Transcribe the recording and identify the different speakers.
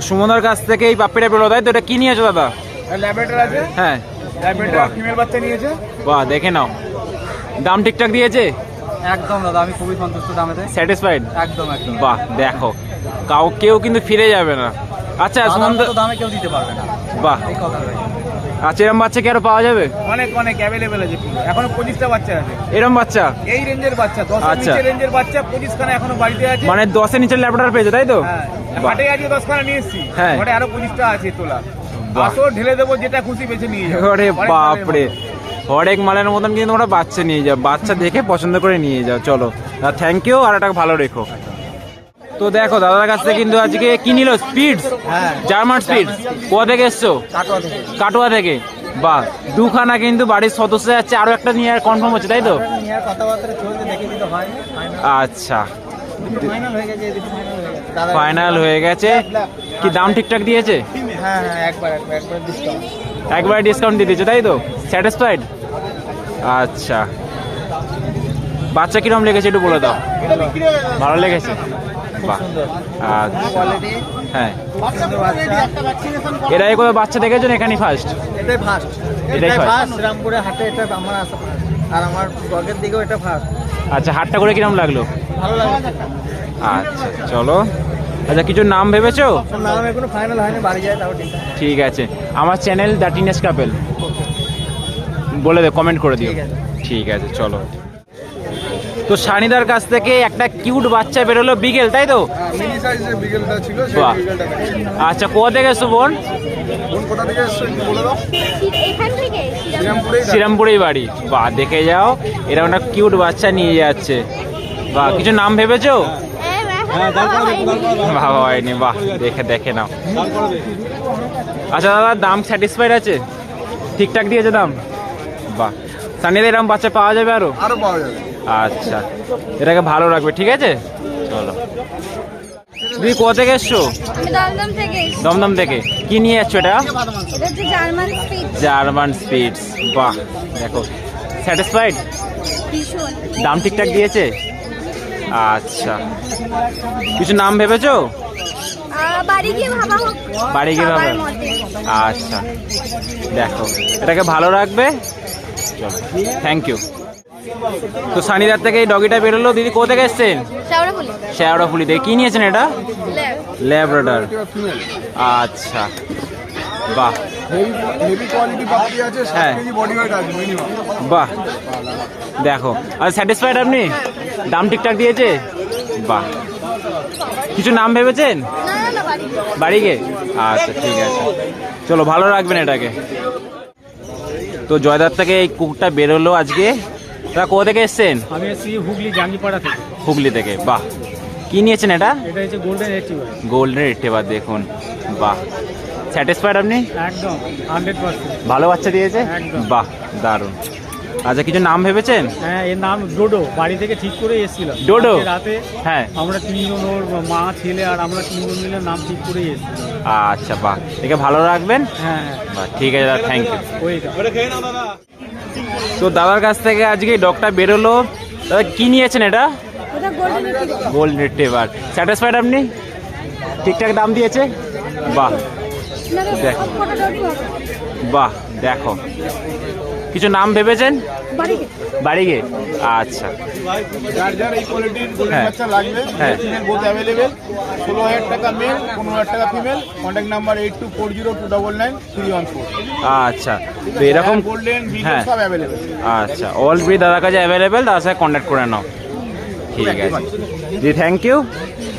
Speaker 1: সুমনদার কাছ থেকে এই পাপ্পিটা পেলো, তাই তো? এটা কি নিয়েছো দাদা?
Speaker 2: ল্যাবেটার আছে।
Speaker 1: হ্যাঁ,
Speaker 2: ল্যাবেটার ফিমেল বাচ্চা নিয়েছে।
Speaker 1: বাহ, দেখে নাও। দাম ঠিকঠাক দিয়েছে?
Speaker 2: একদম দাদা, আমি খুবই সন্তুষ্ট দামেতে।
Speaker 1: স্যাটিসফাইড?
Speaker 2: একদম একদম।
Speaker 1: বাহ, দেখো কেউ কিন্তু ফিরে যাবে না। আচ্ছা সুমনদা,
Speaker 2: দামে কেউ দিতে পারবে না।
Speaker 1: বাহ,
Speaker 2: এই কথা।
Speaker 1: আচ্ছা এরম বাচ্চা কি আরো পাওয়া যাবে?
Speaker 2: অনেক অনেক অ্যাভেলেবেল আছে। এখনো 25টা বাচ্চা আছে
Speaker 1: এরম বাচ্চা
Speaker 2: এই রেঞ্জের বাচ্চা, 10 এর
Speaker 1: আচ্ছা।
Speaker 2: নিচে রেঞ্জের বাচ্চা 25 খানা এখনো বাড়িতে আছে।
Speaker 1: মানে 10-এর নিচের ল্যাবরেটর পেয়েছে, তাই তো?
Speaker 2: হ্যাঁ,
Speaker 1: বাহ।
Speaker 2: হাটে আজকে 10 খানা নিয়ে এসেছি।
Speaker 1: হ্যাঁ।
Speaker 2: ঘরে আরো 25টা আছে তোলা।
Speaker 1: বাহ।
Speaker 2: আসো ঢেলে দেবো, যেটা খুশি বেছে নিয়ে যাও।
Speaker 1: ওরে
Speaker 2: অনেক
Speaker 1: বাপরে,
Speaker 2: ভালো।
Speaker 1: হরেক মালের মতন কিন্তু তোমরা বাচ্চা নিয়ে যাও, বাচ্চা দেখে পছন্দ করে নিয়ে যাও। চলো, থ্যাংক ইউ, আর এটা ভালো রেখো। তো দেখো দাদার কাছ থেকে কিন্তু আজকে কি নিল? স্পিডস,
Speaker 2: হ্যাঁ।
Speaker 1: German spitz. কোথা থেকে এসছো?
Speaker 2: কাটোয়া থেকে।
Speaker 1: কাটোয়া থেকে। বাহ, দুখানা কিন্তু বাড়ির সদস্য যাচ্ছে, আরো একটা নিয়ে কনফার্ম হচ্ছে, তাই তো?
Speaker 2: নিয়ে কথাবার্তা চলতে দেখে দিতে হয়।
Speaker 1: আচ্ছা,
Speaker 2: ফাইনাল হয়ে গেছে, এদিকে ফাইনাল হয়ে গেছে। দাদা
Speaker 1: ফাইনাল হয়ে গেছে। কি দাম ঠিকঠাক দিয়েছে?
Speaker 2: হ্যাঁ হ্যাঁ, একবার ডিসকাউন্ট।
Speaker 1: একবার ডিসকাউন্ট দিয়ে দিয়েছে, তাই তো? স্যাটিসফাইড? আচ্ছা, বাচ্চা কিরম লেগেছে একটু বলে দাও। ভালো লেগেছে? বাহ, আচ্ছা,
Speaker 2: কোয়ালিটি।
Speaker 1: হ্যাঁ।
Speaker 2: সুন্দর বাচ্চা।
Speaker 1: এরাই কোনো বাচ্চা দেখেছেন এখানেই ফার্স্ট?
Speaker 2: এটাই ফার্স্ট।
Speaker 1: এটাই first?
Speaker 2: শ্রীরামপুরে হাটে এটা আমার আসা আর আমার ব্লগের দিকেও এটা ফার্স্ট।
Speaker 1: আচ্ছা, হাটটা করে কিরম লাগলো?
Speaker 2: ভালো লাগে।
Speaker 1: আচ্ছা চলো। আচ্ছা, কিছু নাম ভেবেছো?
Speaker 2: নাম এখনো ফাইনাল হয়নি, বাড়ি যায় তাও ঠিক আছে।
Speaker 1: ঠিক আছে, আমার চ্যানেল দ্য টিনেজ কাপেল বলে দে, কমেন্ট করে দিও।
Speaker 2: ঠিক আছে।
Speaker 1: ঠিক আছে চলো। তো সানিদার কাছ থেকে একটা কিউট বাচ্চা বেরোলো, বিগেল, তাই তো?
Speaker 2: মিনি সাইজের বিগেলটা ছিল, সেই
Speaker 1: বাহ।
Speaker 2: বিগেলটা দেখেছি।
Speaker 1: আচ্ছা, কোথা থেকে এসছো বোন?
Speaker 2: কোন কোথা থেকে এসেছো একটু বলে দাও।
Speaker 3: এখান থেকে
Speaker 2: শ্রীরামপুরেই
Speaker 1: শ্রীরামপুরেই বাড়ি। বাহ, দেখে যাও, এরা একটা কিউট বাচ্চা নিয়ে যাচ্ছে। বাহ, কিছু নাম ভেবেছো? ভাবা হয়নি। বাহ, দেখে নাও। আচ্ছা দাদা, দাম স্যাটিসফাইড আছে? ঠিকঠাক দিয়েছে দাম? বাহ, সানিদা এরকম বাচ্চা পাওয়া যাবে আরো?
Speaker 2: আরো পাওয়া যাবে।
Speaker 1: আচ্ছা, এটাকে ভালো রাখবে, ঠিক আছে? চলো। তুমি কোথা থেকে এসছো?
Speaker 3: আমি দমদম থেকে এসেছি।
Speaker 1: দমদম থেকে। কি নিয়ে যাচ্ছ এটা?
Speaker 3: এটা হচ্ছে জার্মান স্পিচ।
Speaker 1: German speeds. বাহ, দেখো, স্যাটিসফাইড?
Speaker 3: ভীষণ।
Speaker 1: দাম ঠিকঠাক দিয়েছে? আচ্ছা, কিছু নাম ভেবেছো?
Speaker 3: বাড়ি গিয়ে ভাবা হোক।
Speaker 1: বাড়ি গিয়ে ভাবা?
Speaker 3: সবার মতে।
Speaker 1: আচ্ছা, দেখো, এটাকে ভালো রাখবে। চলো, থ্যাংক ইউ। তো সানিদার থেকে এই ডগিটা বেরোলো। দিদি কোথা থেকে এসছেন?
Speaker 3: শেওড়াফুলি।
Speaker 1: শেওড়াফুলি থেকে। কি নিয়েছেন এটা?
Speaker 3: ল্যাব।
Speaker 1: ল্যাব্রাডর। আচ্ছা, বাহ,
Speaker 2: হেভি কোয়ালিটি পাখি আছে, 7
Speaker 1: হ্যাঁ।
Speaker 2: কেজি বডি ওয়েট আছে মিনিমাম।
Speaker 1: বাহ, দেখো, আর স্যাটিসফাইড আপনি? দাম ঠিকঠাক দিয়েছে? বাহ, কিছু নাম ভেবেছেন
Speaker 3: না বাড়ি।
Speaker 1: বাড়ি গিয়ে? আচ্ছা ঠিক আছে, চলো, ভালো রাখবেন এটাকে। তো জয়দার থেকে এই কুকুরটা বেরোলো আজকে। তা কোথা থেকে এসছেন?
Speaker 2: আমি এসেছি হুগলি জাঙ্গিপাড়া থেকে।
Speaker 1: হুগলি থেকে। বাহ, কি নিয়েছেন এটা?
Speaker 2: এটা হচ্ছে গোল্ডেন রিট্রিভার।
Speaker 1: Golden retriever. দেখুন, বাহ, স্যাটিসফাইড আপনি?
Speaker 2: একদম 100%।
Speaker 1: ভালো বাচ্চা দিয়েছে?
Speaker 2: একদম।
Speaker 1: বাহ, দারুণ। আচ্ছা, কিছু নাম ভেবেছেন?
Speaker 2: হ্যাঁ, এর নাম ডোডো। বাড়ি থেকে ঠিক করে এসেছিল
Speaker 1: ডোডো?
Speaker 2: রাতে।
Speaker 1: হ্যাঁ।
Speaker 2: আমরা তিনজন, ওর মা, ছেলে আর আমরা তিনজন মিলে নাম ঠিক করে এসেছিল।
Speaker 1: আচ্ছা, বাহ, একে ভালো রাখবেন।
Speaker 2: হ্যাঁ
Speaker 1: বাহ, ঠিক আছে দাদা, থ্যাংক ইউ।
Speaker 2: ওইটা খেয়ে নাও দাদা।
Speaker 1: তো দাদার কাছ থেকে আজকে ডগটা বেরোলো। দাদা কি নিয়েছেন এটা?
Speaker 3: ওটা golden retriever.
Speaker 1: Golden retriever. Satisfied আপনি? ঠিকঠাক দাম দিয়েছে? বাহ, দেখ। বাহ, দেখো, কিছু নাম ভেবেছেন
Speaker 3: বাড়ি গিয়ে।
Speaker 1: বাড়ি গিয়ে? আচ্ছা,
Speaker 2: যার যার এই কোয়ালিটির গোল্ডেন
Speaker 1: হ্যাঁ।
Speaker 2: বাচ্চা লাগবে,
Speaker 1: হ্যাঁ।
Speaker 2: Female both available. 16,000 টাকা মেল, 15,000 টাকা ফিমেল। Contact number 8240299314।
Speaker 1: আচ্ছা, তো এরকম,
Speaker 2: গোল্ডেন বিগেল
Speaker 1: হ্যাঁ,
Speaker 2: সব অ্যাভেলেবেল।
Speaker 1: আচ্ছা, অল ব্রিড দাদার কাছে অ্যাভেলেবেল, তার সাথে কন্ট্যাক্ট করে নাও। ঠিক আছে জি, থ্যাংক ইউ।